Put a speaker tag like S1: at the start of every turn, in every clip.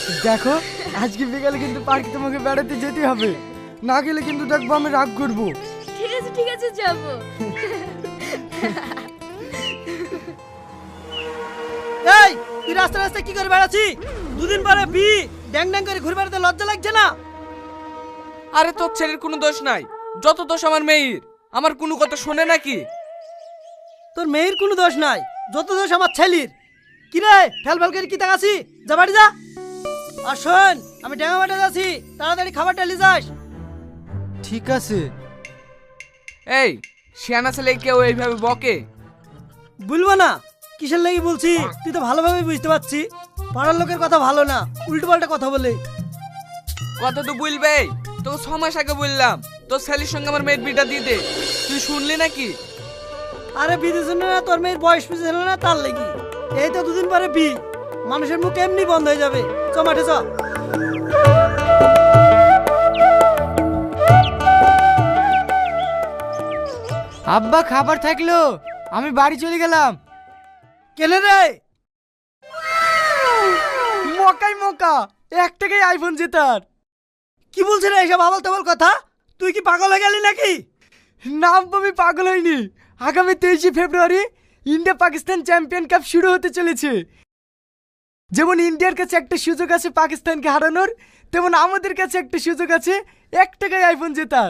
S1: দেখো আজকে বিকালে কিন্তু পার্কে তোমাকে বেড়াতে যেতে হবে, না গেলে কিন্তু দেখবো আমি রাগ করবো।
S2: ঠিক আছে যাবো।
S3: এই তুই রাস্তা রাস্তা কি করে বেড়াচ্ছি? দুদিন পরে ড্যাং ড্যাং করে ঘুরে বেড়াতে লজ্জা লাগছে না?
S4: আরে তোর ছেলের কোনো দোষ নাই, যত দোষ আমার মেয়ের। আমার কোনো কথা শোনে নাকি?
S3: তোর মেয়ের কোনো দোষ নাই, যত দোষ আমার ছেলির। কি রে ফেল ফেল করে কি তাকাছি? যা বাড়ি যা। আর শোন, আমি ড্যাঙা মাঠে যাচ্ছি, তাড়াতাড়ি খাবারটা নিয়ে যাস।
S1: ঠিক আছে।
S4: এই শিয়ানা ছেলে কেউ এইভাবে বকে?
S3: বলবো না, কিসের লাগি বলছি তুই তো ভালোভাবে বুঝতে পারছি। পাড়ার লোকের কথা ভালো না, উল্টো পাল্টা কথা বলে।
S4: কথা তো বলবেই, তোকে 6 মাস আগে বললাম তোর ছেলের সঙ্গে আমার মেয়ের বিটা দিয়ে দে, তুই শুনলি নাকি?
S3: আরে বিদেশ না, তোর মেয়ের বয়স পিছু ছিল না তার লাগি। এই তো দুদিন পরে মানুষের মুখ এমনি বন্ধ হয়ে যাবে। চ মাঠে চ।
S1: আব্বা খাবার থাকলো, আমি বাড়ি চলে গেলাম।
S3: কেনে রে?
S1: মকাই মকা, 1 টাকায় আইফোন জেতার।
S3: কি বলছিস রে এসব আবল তাবল কথা? তুই কি পাগল হয়ে গেলি নাকি?
S1: না আব্বা, আমি পাগল হইনি। আগামী 23শে February India Pakistan champion cup শুরু হতে চলেছে। যেমন ইন্ডিয়ার কাছে একটা সুযোগ আছে পাকিস্তানকে হারানোর, তেমন আমাদের কাছে একটা সুযোগ আছে 1 টাকায় আইফোন জেতার।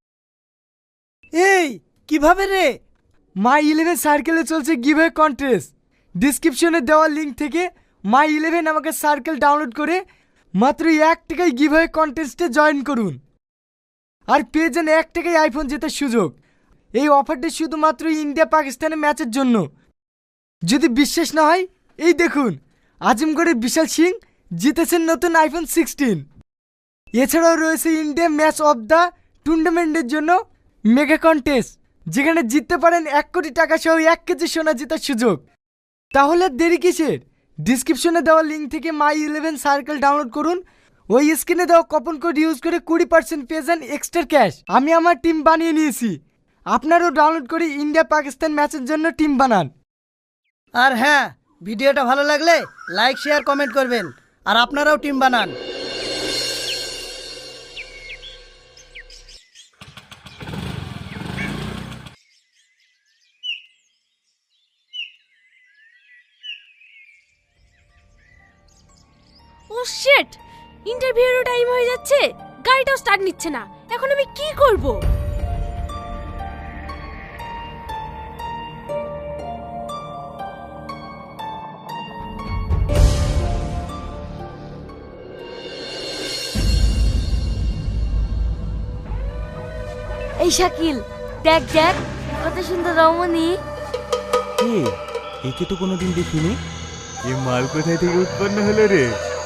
S3: এই কিভাবে রে?
S1: মাই 11 সার্কেলে চলছে গিভঅ্যাওয়ে কন্টেস্ট। ডেসক্রিপশনে দেওয়া লিংক থেকে মাই 11 আমাকে সার্কেল ডাউনলোড করে মাত্র 1 টাকায় গিভঅ্যাওয়ে কন্টেস্টে জয়েন করুন আর পেয়ে যান 1 টাকায় আইফোন জেতার সুযোগ। এই অফারটি শুধুমাত্র ইন্ডিয়া পাকিস্তানের ম্যাচের জন্য। যদি বিশ্বাস না হয় এই দেখুন, আজমগড়ের বিশাল সিং জিতেছেন নতুন আইফোন 16। এছাড়াও রয়েছে ইন্ডিয়া ম্যাচ অফ দ্য টুর্নামেন্টের জন্য মেগা কন্টেস্ট, যেখানে জিততে পারেন 1 কোটি টাকা সহ 1 কেজি সোনা জেতার সুযোগ। তাহলে আর দেরি কিসের? ডিসক্রিপশনে দেওয়া লিঙ্ক থেকে মাই 11 সার্কেল ডাউনলোড করুন। ওই স্ক্রিনে দেওয়া কুপন কোড ইউজ করে 20% পেয়ে যান এক্সট্রা ক্যাশ। আমি আমার টিম বানিয়ে নিয়েছি, আপনারাও ডাউনলোড করে ইন্ডিয়া পাকিস্তান ম্যাচের জন্য টিম বানান।
S3: আর হ্যাঁ, ভিডিওটা ভালো লাগলে লাইক শেয়ার কমেন্ট করবেন, আর আপনারাও টিম বানান।
S2: ও শিট, ইন্টারভিউর টাইম হয়ে যাচ্ছে, গাড়িটাও স্টার্ট নিচ্ছে না। এখন আমি কি করব? এই শাকিল, দেখ দেখ কত সুন্দর রমণী।
S5: একে তো কোনোদিন দেখিনি। এ মাল কোথায় থেকে উৎপন্ন হলো রে?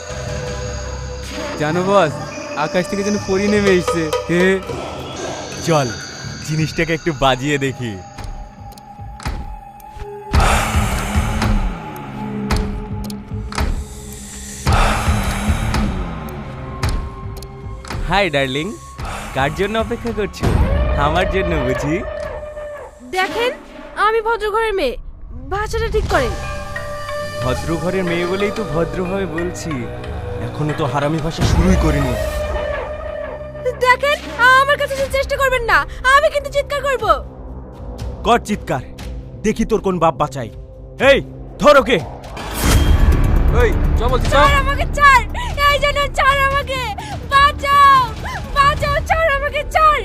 S5: জানো বস, আকাশ থেকে যেন পরি নেমে এসছে। চল জিনিসটাকে একটু বাজিয়ে দেখি। হাই ডার্লিং, কার জন্য অপেক্ষা করছো? আমার জন্য বুঝি?
S2: দেখেন, আমি ভদ্র ঘরের মেয়ে, ভাষাটা ঠিক করেন।
S5: ভদ্র ঘরের মেয়ে বলেই তো ভদ্রভাবে বলছি, এখনো তো হারামি ভাষা শুরুই করিনি।
S2: দেখেন, আমার কাছে এসে চেষ্টা করবেন না, আমি কিন্তু চিৎকার করব।
S5: কর চিৎকার, দেখি তোর কোন বাপ বাঁচাই। এই ধর ওকে।
S4: ওই চল বলছি চল।
S2: ছাড় আমাকে, ছাড়, এই জন্য ছাড় আমাকে, বাঁচাও বাঁচাও, ছাড় আমাকে, ছাড়।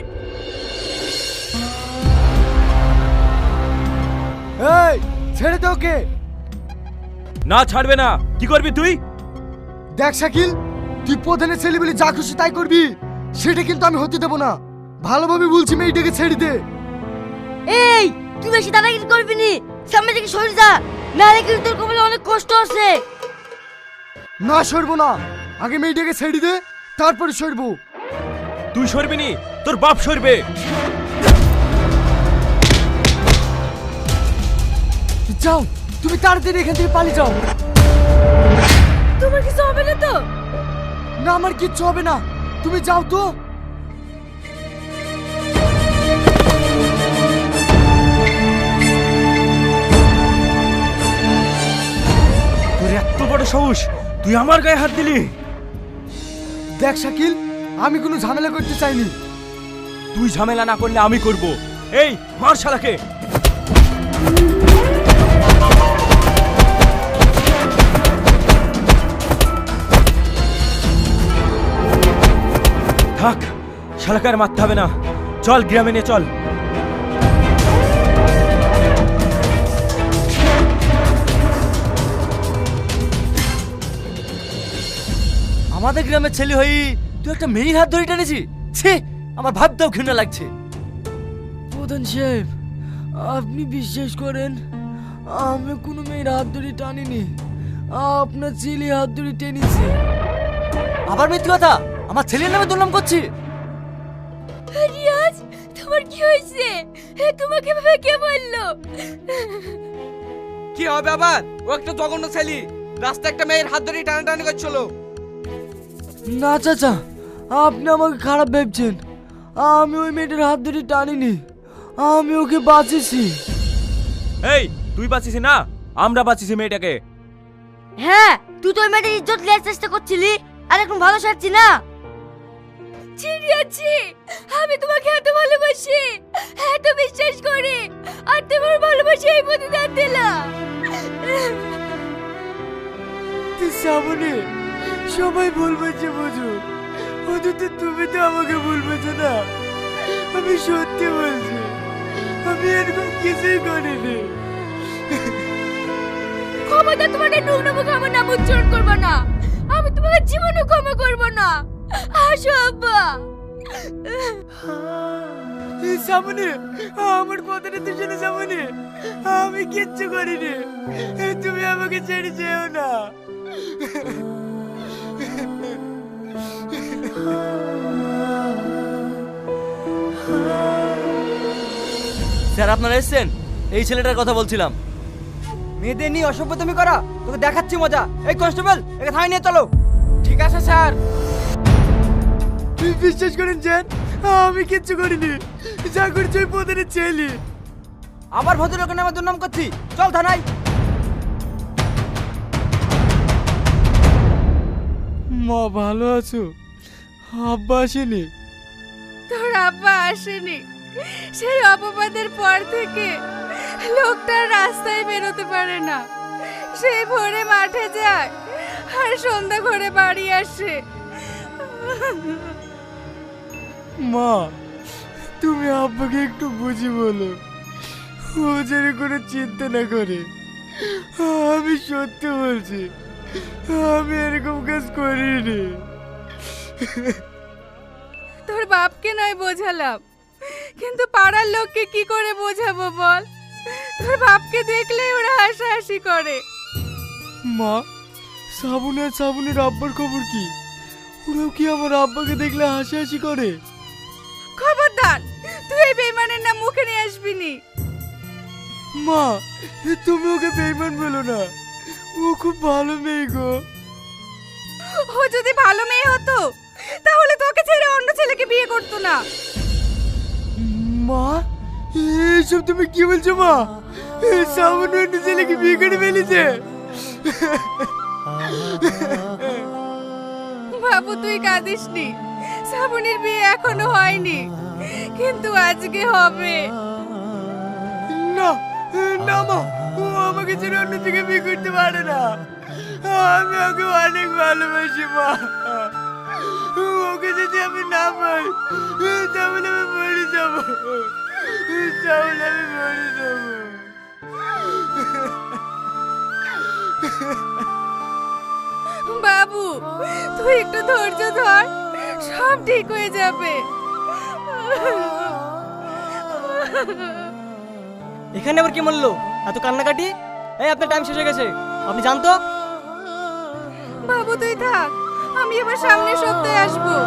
S1: এই ছেড়ে দে ওকে।
S5: না ছাড়বে না, কি করবি তুই?
S1: দেখ শাকিল, তুই প্রধানের ছেলে বলে যা খুশি তাই করবি, সেটা কিন্তু আমি হতে দেবো না। ভালোভাবে বলছি, মেয়েটাকে ছেড়ে দে।
S6: এই তুই বেশি দাদাগিরি করবি নি, সামনে থেকে সরে যা, নাহলে কিন্তু তোর কপালে অনেক কষ্ট আছে।
S1: না সরবো না, আগে মেয়েটাকে ছেড়ে দে, তারপরে সরবো।
S5: তুই সরবি নি, তোর বাপ সরবে।
S1: যাও, তুমি তাড়াতাড়ি এখান থেকে পালিয়ে যাও।
S2: তোমার কিছু হবে না তো?
S1: না, আমার কিচ্ছু হবে না, তুমি যাও তো।
S5: তোর এত বড় সাহস, তুই আমার গায়ে হাত দিলি?
S1: দেখ শাকিল, আমি কোনো ঝামেলা করতে চাইনি।
S5: তুই ঝামেলা না করলে আমি করব। এই মার শালাকে। থাক, শালাকে আর মারতে হবে না। চল গ্রামে নিয়ে চল।
S3: আমাদের গ্রামের ছেলে হই তুই একটা মেয়ের হাত ধরে টেনেছি? ছি, আমার ভাবতেও ঘৃণা লাগছে।
S1: প্রধান সাহেব, আপনি বিশ্বাস করেন আমি কোনো মেয়ের হাত ধরে টানিনি, আপনার ছেলে হাত ধরে টেনেছি।
S3: আবার মিথ্যে কথা, আমার ছেলের নামে দুর্নাম করছি।
S2: রিয়াজ, তোমার কি হয়েছে? তোমাকে ভাবে কে বললো?
S4: কি হবে আবার? ও একটা জঘন্য ছেলে, রাস্তায় একটা মেয়ের হাত ধরে টানাটানি করছিল।
S1: না চাচা, আপনি আমাকে খারাপ ভাবছেন। আমি ওই মেয়েটার হাত ধরে টানিনি, আমি ওকে বাঁচিয়েছি।
S5: এই তুই বাঁচিস না, আমরা বাঁচিয়েছি মেয়েটাকে।
S6: হ্যাঁ, তুই তো ওই মেয়েটার ইজ্জত নেওয়ার চেষ্টা করছিলি, আর এখন ভালো সাজছি না।
S2: ছিড়িয়াছি, আমি তোমাকে এত ভালোবাসি, এত বিশ্বাস করি, আর তোমার ভালোবাসি এই প্রতিদান দিলাম।
S1: সামনে সবাই ভুল বলছে বুঝো, অন্তত তুমি তো আমাকে ভুল বলছো না। আমি সত্যি বলছি, আমি এরকম কিছুই করিনি।
S2: ক্ষমতা তোমাকে নোংরা মুখে আমার নাম উচ্চারণ করবো না, আমি তোমাকে জীবনে ক্ষমা করবো না। আসো আব্বা।
S1: সামনে আমার কথাটা তো শুনে, সামনে আমি কিচ্ছু করিনি, তুমি আমাকে ছেড়ে যেও না।
S3: স্যার, আপনারা এসেছেন? এই ছেলেটার কথা বলছিলাম। মেয়েদের নিয়ে অসভ্যতামি করা তোকে দেখাচ্ছি মজা। এই কনস্টেবল, একে থানায় নিয়ে চলো।
S4: ঠিক আছে স্যার।
S1: বিশ্বাস করেন স্যার, আমি কিচ্ছু করিনি, যা করছি ওই প্রধানের ছেলে।
S3: আবার ভদ্রলোকের নামে দুর্নাম করছি, চল থানায়।
S1: মা ভালো আছো? আব্বা আসেনি?
S2: তোর আব্বা আসেনি, সেই অপবাদের পর থেকে লোকটা রাস্তায় বেরোতে পারে না। সেই ভোরে মাঠে যায় আর সন্ধ্যা ঘরে বাড়ি আসে।
S1: মা, তুমি আব্বাকে একটু বুঝি বলো, ও যেন কোনো চিন্তা না করে। আমি সত্যি বলছি, আমি এরকম কাজ করিনি।
S2: তোর বাপকে নয় বোঝালাম, কিন্তু পাড়ার লোককে কি করে বোঝাবো বল? তোর বাপকে দেখলেই ওরা হাসাহাসি করে।
S1: মা, সাবুন আর সাবুনের আব্বার খবর কি? ওরাও কি আমার আব্বাকে দেখলে হাসাহাসি করে?
S2: খবরদার, তুই এই বেইমানের নাম মুখে নিয়ে আসবি নি।
S1: মা, তুমি ওকে বেইমান বলো না, ও খুব ভালো মেয়ে গো।
S2: ও যদি ভালো মেয়ে হতো তাহলে তোকে ছেড়ে অন্য ছেলেকে বিয়ে করতো না।
S1: মা, এইসব তুমি কি বলছো মা? সাবুন অন্য ছেলেকে বিয়ে করে ফেলেছে।
S2: বাবু, তুই কাঁদিস নি, শ্রাবণীর বিয়ে এখনো হয়নি, কিন্তু আজকে হবে।
S1: না না মা, ও আমাকে ছেড়ে অন্য থেকে বিয়ে করতে পারে না। আমি ওকে অনেক ভালোবাসি মা। ওকে যদি আমি না পাই তাহলে আমি মরে যাবো, তাহলে আমি মরে যাবো।
S2: বাবু, তুই একটু ধৈর্য ধর, সব ঠিক হয়ে যাবে।
S3: এখানে আবার কি বললো? এত কান্নাকাটি? এই, আপনার টাইম শেষ হয়ে গেছে, আপনি জানতো।
S2: বাবু তুই থাক, আমি এবার সামনের সপ্তাহে আসবো।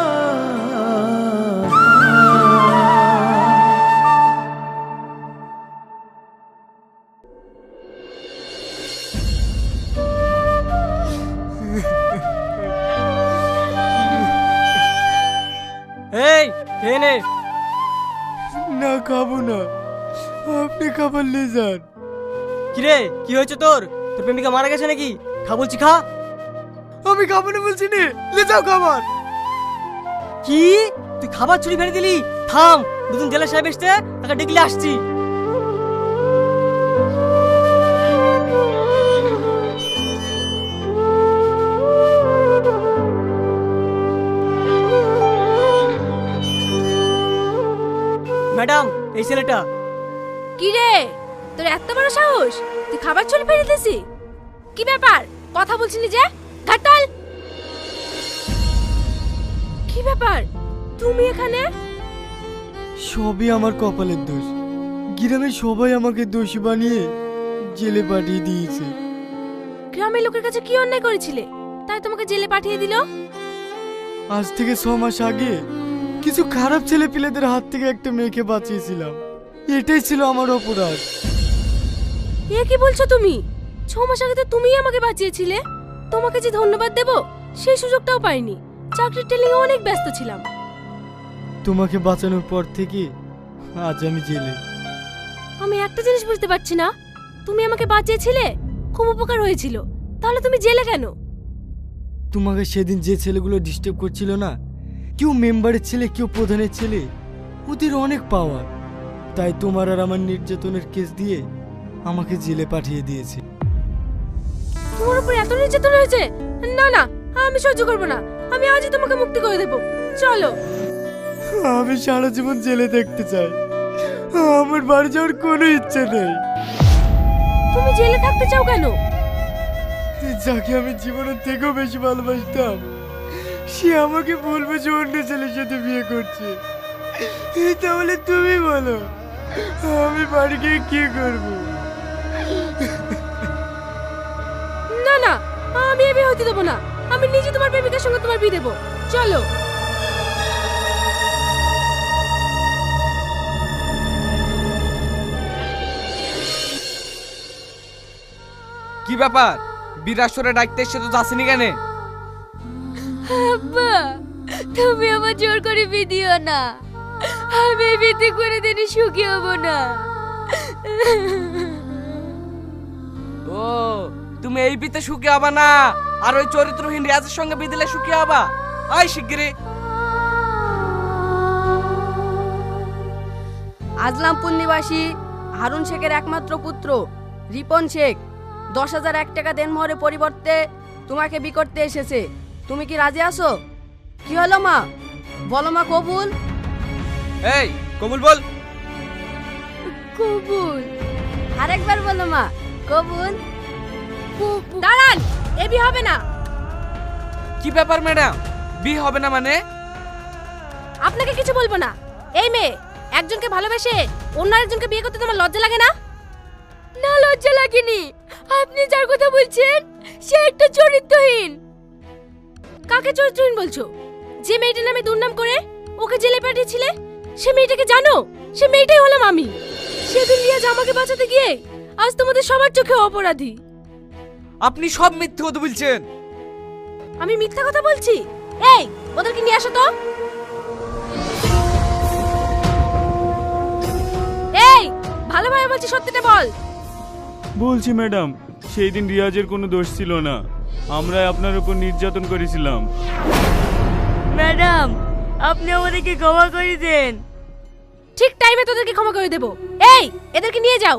S3: এই, খেয়ে নে।
S1: না খাবো না, আপনি খাবার নিয়ে যান।
S3: কিরে, কি হয়েছে তোর? তোর প্রেমিকা মারা গেছে নাকি? খা বলছি, খা।
S1: আমি খাবো না বলছি নে, লে যাও খাবার।
S3: কি তুই খাবার চুরি ফেলে দিলি? থাম, দুজন জেলা সাহেব এসছে, তাকে ডেকে আসছি। ম্যাডাম, এই ছেলেটা।
S2: কি রে, তোর এত বড় সাহস? তুই খাবার চুরি ফেলে দিয়েছি? কি ব্যাপার, কথা বলছিলি যে? ঘাটাল, কি ব্যাপার তুমি এখানে?
S1: সবই আমার কপালের দোষ। গ্রামের সবাই আমাকে দোষী বানিয়ে জেলে পাঠিয়ে দিয়েছে।
S2: গ্রামের লোকের কাছে কি অন্যায় করেছিলে তাই তোমাকে জেলে পাঠিয়ে দিল?
S1: আজ থেকে 6 মাস আগে কিছু খারাপ ছেলে পিলেদের হাত থেকে একটা মেয়েকে বাঁচিয়েছিলাম। এটাই ছিল আমার অপরাধ।
S2: এ কি বলছো তুমি? 6 মাস আগে তো তুমিই আমাকে বাঁচিয়েছিলে। তোমাকে যে ধন্যবাদ দেব সেই সুযোগটাও পাইনি। চাকরির টেলিং অনেক ব্যস্ত ছিলাম।
S1: তোমাকে বাঁচানোর পর থেকে আজ আমি জেলে।
S2: আমি একটা জিনিস বুঝতে পারছি না, তুমি আমাকে বাঁচিয়েছিলে, খুব উপকার হয়েছিল, তাহলে তুমি জেলে কেন?
S1: তোমাকে সেদিন যে ছেলেগুলো ডিস্টার্ব করছিল না, কেউ মেম্বারের ছেলে, কেউ প্রধানের ছেলে, ওদের অনেক পাওয়ার। তাই তোমার আর আমার নির্যাতনের কেস দিয়ে আমাকে জেলে পাঠিয়ে দিয়েছে।
S2: তোমার উপর এত নির্যাতন হয়েছে? না না, আমি সহ্য করবো না। আমি আজই তোমাকে মুক্তি করে দেব। চলো।
S1: আমি সারা জীবন জেলে দেখতে চাই। আমার বাড়ি যাওয়ার কোনো ইচ্ছে নেই।
S2: তুমি জেলে থাকতে চাও কেন?
S1: যাকে আমি জীবনের থেকেও বেশি ভালোবাসতাম, সে আমাকে বলবে যে অন্য ছেলের সাথে বিয়ে করছে। তাহলে তুমি বলো, আমি বাড়ি গিয়ে কি করব?
S2: না না, আমি এ বিয়ে হতে দেবো না। আমি নিজে তোমার প্রেমিকার সঙ্গে তোমার বিয়ে দেবো। চলো।
S4: কি ব্যাপার, বিরাসরে ডাকতে এসে তো যাসনি কেন?
S6: আব্বা, তুমি আমার জোর করে বিয়ে দিও না। আমি এই বিয়েতে করে দিনে সুখী হব না।
S4: ও, তুমি এই বিতে সুখী হবা না, আর ওই চরিত্রহীন রিয়াজের সঙ্গে বিয়ে দিলে সুখী হবা? আয় শিগগিরি।
S7: আজলামপুর নিবাসী হারুন শেখের একমাত্র পুত্র রিপন শেখ 10,001 টাকা দেনমোহরের পরিবর্তে তোমাকে বিয়ে করতে এসেছে। তুমি কি রাজি আছো? কি হলো মা, বলো মা। কবুল?
S4: এই কবুল বল।
S6: কবুল।
S7: আরেকবার বলো মা, কবুল।
S2: দাঁড়ান, এ বিয়ে হবে না।
S4: কি ব্যাপার ম্যাডাম, বিয়ে হবে না মানে?
S2: আপনাকে কিছু বলবো না। এই মেয়ে একজনকে ভালোবেসে অন্য আরেকজনকে বিয়ে করতে তোমার লজ্জা লাগে না?
S6: না, লজ্জা লাগেনি। আপনি যার কথা বলছেন সে একটা চরিত্রহীন।
S2: কাকে চরিত্রহীন বলছো? যে মেয়েটার নামে দুর্নাম করে ওকে জেলে পাঠিয়েছিলে, সে মেয়েটাকে জানো? সে মেয়েটাই হলাম আমি। সেদিন রিয়াজ আমাকে বাঁচাতে গিয়ে আজ তোমাদের সবার চোখে অপরাধী।
S4: আপনি সব মিথ্যে কথা বলছেন।
S2: আমি মিথ্যা কথা বলছি? এই, ওদেরকে নিয়ে আসো তো। এই, ভালোভাবে বলছি, সত্যিটা বল।
S5: বলছি ম্যাডাম, সেই দিন রিয়াজের কোনো দোষ ছিল না, আমরা আপনার উপর নির্যাতন করেছিলাম।
S6: ম্যাডাম, আপনি আমাদেরকে ক্ষমা করে দেন।
S2: ঠিক টাইমে তোদেরকে ক্ষমা করে দেব। এই, এদেরকে নিয়ে যাও।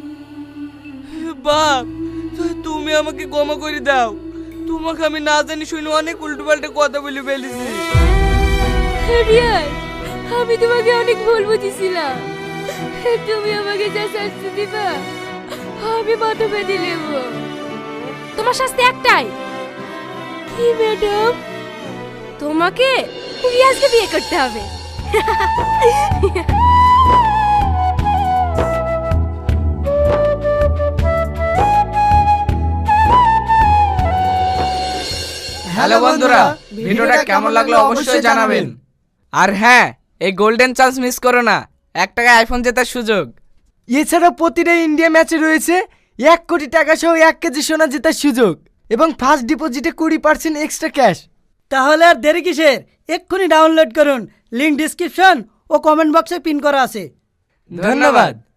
S4: বাপ, তুমি আমাকে ক্ষমা করে দাও। তোমাকে আমি না জানি শুনে অনেক উল্টোপাল্টা কথা বলে ফেলেছি।
S6: রিয়াজ, আমি তোমাকে অনেক ভুল বুঝেছিলাম। তুমি আমাকে যা শাস্তি দিবা আমি মাথা বেঁধে নেব।
S2: তোমার শাস্তি একটাই।
S6: কি ম্যাডাম?
S2: তোমাকে রিয়াজকে বিয়ে করতে হবে।
S4: হ্যালো বন্ধুরা, ভিডিওটা কেমন লাগলো অবশ্যই জানাবেন। আর হ্যাঁ, এই গোল্ডেন চান্স মিস করো না, 1 টাকা আইফোন জেতার সুযোগ।
S1: এছাড়া প্রতিটা ইন্ডিয়া ম্যাচে রয়েছে 1 কোটি টাকা সহ 1 কেজি সোনা জেতার সুযোগ এবং ফার্স্ট ডিপোজিটে 20% এক্সট্রা ক্যাশ।
S3: তাহলে আর দেরি কিসের? এক্ষুনি ডাউনলোড করুন। লিংক ডিসক্রিপশন ও কমেন্ট বক্সে পিন করা আছে।
S4: ধন্যবাদ।